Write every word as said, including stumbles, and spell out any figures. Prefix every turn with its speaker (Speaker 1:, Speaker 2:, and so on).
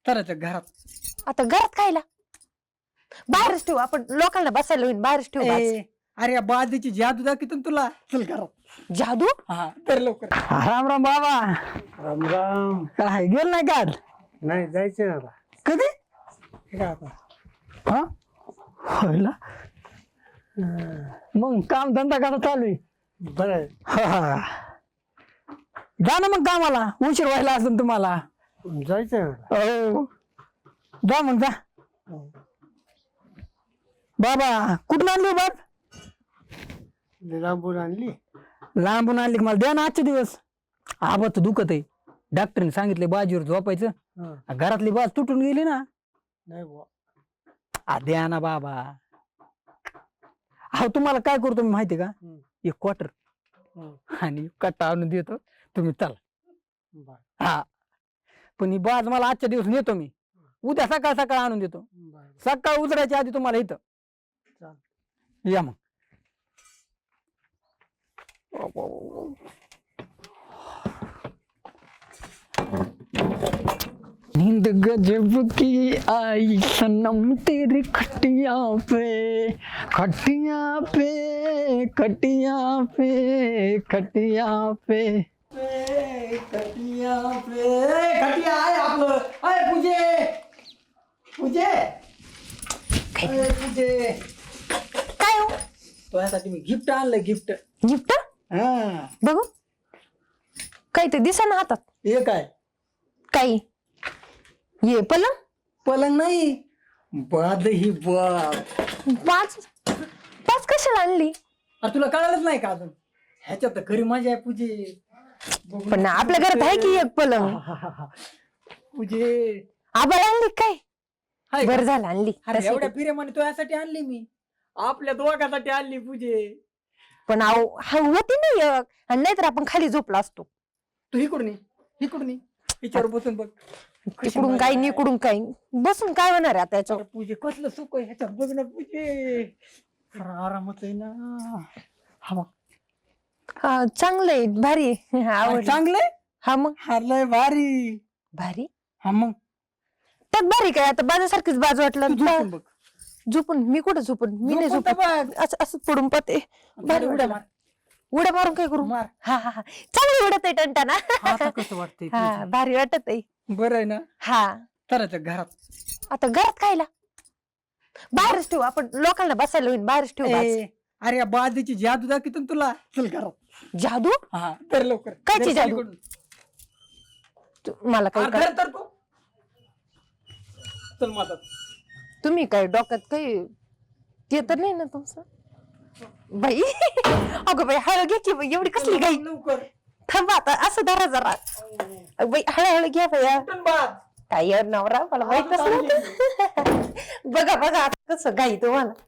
Speaker 1: चला घरात.
Speaker 2: आता घरात खायला बाहेरच ठेवू आपण, लोकांना बसायला होईल बाहेरच ठेवू.
Speaker 1: ए, अरे या बाजूची जादू दाखवतो तुला. चल घरात.
Speaker 2: जादू?
Speaker 1: हा तर लवकर.
Speaker 3: राम राम बाबा.
Speaker 4: राम राम.
Speaker 3: काय गेल नाही का?
Speaker 4: नाही जायचं आता.
Speaker 3: कधी?
Speaker 4: हे काय आता
Speaker 3: हा होयला. मग काम धंदा कसा चालू आहे?
Speaker 4: बरं आहे.
Speaker 3: हा, हा. जा ना मग कामाला, उशीर व्हायला असेल तुम्हाला.
Speaker 4: जायचं ना.
Speaker 3: हो जा मग जा. बाबा कुठून आणली बाब?
Speaker 4: लांबून आणली.
Speaker 3: लांबून आणली. मला द्या ना आजचे दिवस. आबा तर दुखत आहे. डॉक्टरने सांगितले बाजीवर झोपायचं.
Speaker 4: हा.
Speaker 3: घरातली बाज तुटून गेली ना.
Speaker 4: नाही बुवा.
Speaker 3: आ द्या ना बाबा. अहो तुम्हाला काय करतो मी माहिती का?
Speaker 4: हम्म.
Speaker 3: एक क्वार्टर
Speaker 4: हम्म.
Speaker 3: आणि कट्टा आणून देतो, तुम्ही चला.
Speaker 4: बरं.
Speaker 3: हा पण ही बाज मला आजच्या दिवस नेतो मी. उद्या सकाळ सकाळ आणून देतो.
Speaker 4: बरं.
Speaker 3: सकाळ उतरायच्या आधी तुम्हाला इथं
Speaker 4: चालेल.
Speaker 3: या मग. नींद गजब की आई सनम तेरी खटिया पे, खटिया पे, खटिया पे, खटिया पे.
Speaker 1: खटिया पे खटिया आहे आपलं. अय पूजे, पूजे, अय पूजे.
Speaker 2: काय हो?
Speaker 1: तुझ्यासाठी मी गिफ्ट आणलं. गिफ्ट.
Speaker 2: गिफ्ट?
Speaker 1: हा
Speaker 2: बघू. काही ते दिसा ना हातात.
Speaker 1: हे काय?
Speaker 2: काही ये पलंग?
Speaker 1: पलंग नाही, बाद ही बाद.
Speaker 2: पाच पाच कशाला आणली?
Speaker 1: अरे तुला कळालंच नाही का अजून? ह्याच्यात तर खरी मजा आहे पूजे. बघू
Speaker 2: पण
Speaker 1: ना.
Speaker 2: आपल्या घरात आहे की एक पलंग.
Speaker 1: पूजे
Speaker 2: आबाळ आणली काय?
Speaker 1: हाय का?
Speaker 2: बरं झालं आणली.
Speaker 1: अरे
Speaker 2: तशी
Speaker 1: एवढ्या
Speaker 2: ती.
Speaker 1: फिरेमाने तुझ्यासाठी आणली मी. आपल्या दोघांसाठी आणली पूजे.
Speaker 2: पण आहो हा होती नाही एक. आणि नाहीतर आपण खाली झोपला असतो.
Speaker 1: तू इकडून ये, इकडून ये. हिच्यावर बसून बघ. कशी
Speaker 2: तिकडून
Speaker 1: मजा
Speaker 2: काही
Speaker 1: आहे.
Speaker 2: निकडून काही बसून काय होणार आहे आता
Speaker 1: अरे
Speaker 2: याच्यावर?
Speaker 1: पूजे कसलं सुख आहे ह्याच्यात. बघ ना पूजे. अरे आरामच आहे ना. हा मग
Speaker 2: हा चांगलं आहे, भारी आहे. आवडलं.
Speaker 1: चांगलंय.
Speaker 2: हा मग
Speaker 1: हारलंय भारी.
Speaker 2: भारी.
Speaker 1: हा मग
Speaker 2: त्यात भारी काय आता बाजासारखीच बाजू वाटलं.
Speaker 1: तू झोपून बघ.
Speaker 2: झोपून मी कुठं झोपून? मी नाही
Speaker 1: झोपून तर
Speaker 2: झोपून.
Speaker 1: बघ.
Speaker 2: असं असं पडून पते. भारी उड्या मार. उड्या मारून काय करू?
Speaker 1: मार.
Speaker 2: हा हा हा चांगली उडत आहे टंटाना.
Speaker 1: आता कसं वाटतंय
Speaker 2: हा
Speaker 1: पूजे?
Speaker 2: भारी वाटत आहे.
Speaker 1: बरं आहे ना.
Speaker 2: हा
Speaker 1: चला घरात.
Speaker 2: आता घरात खायला बाहेरच ठेवू आपण, लोकांना बसायला होईल बाहेरच ठेवू. आज.
Speaker 1: ए, अरे या बाजूची जादू दाखवतो तुला. चल घरात.
Speaker 2: जादू?
Speaker 1: हा तर लवकर.
Speaker 2: कायची
Speaker 1: घर
Speaker 2: जादू?
Speaker 1: पलीकडून.
Speaker 2: तू- मला काही
Speaker 1: अरे
Speaker 2: कळ-
Speaker 1: घर तर तू. चल माझा.
Speaker 2: तुम्ही काय डोक्यात काही ते तर नाही ना तुमचं? बाई अगं बाई हळू घे की बाई, एवढी कसली गाई?
Speaker 1: लवकर.
Speaker 2: थांबा आता असं धरा जरा. अगं बाई हळूहळू घ्या बाया.
Speaker 1: उठून बाद.
Speaker 2: काय यार नवरा मला माहितच नव्हतं. बघा बघा आता कसं गाई तुम्हाला.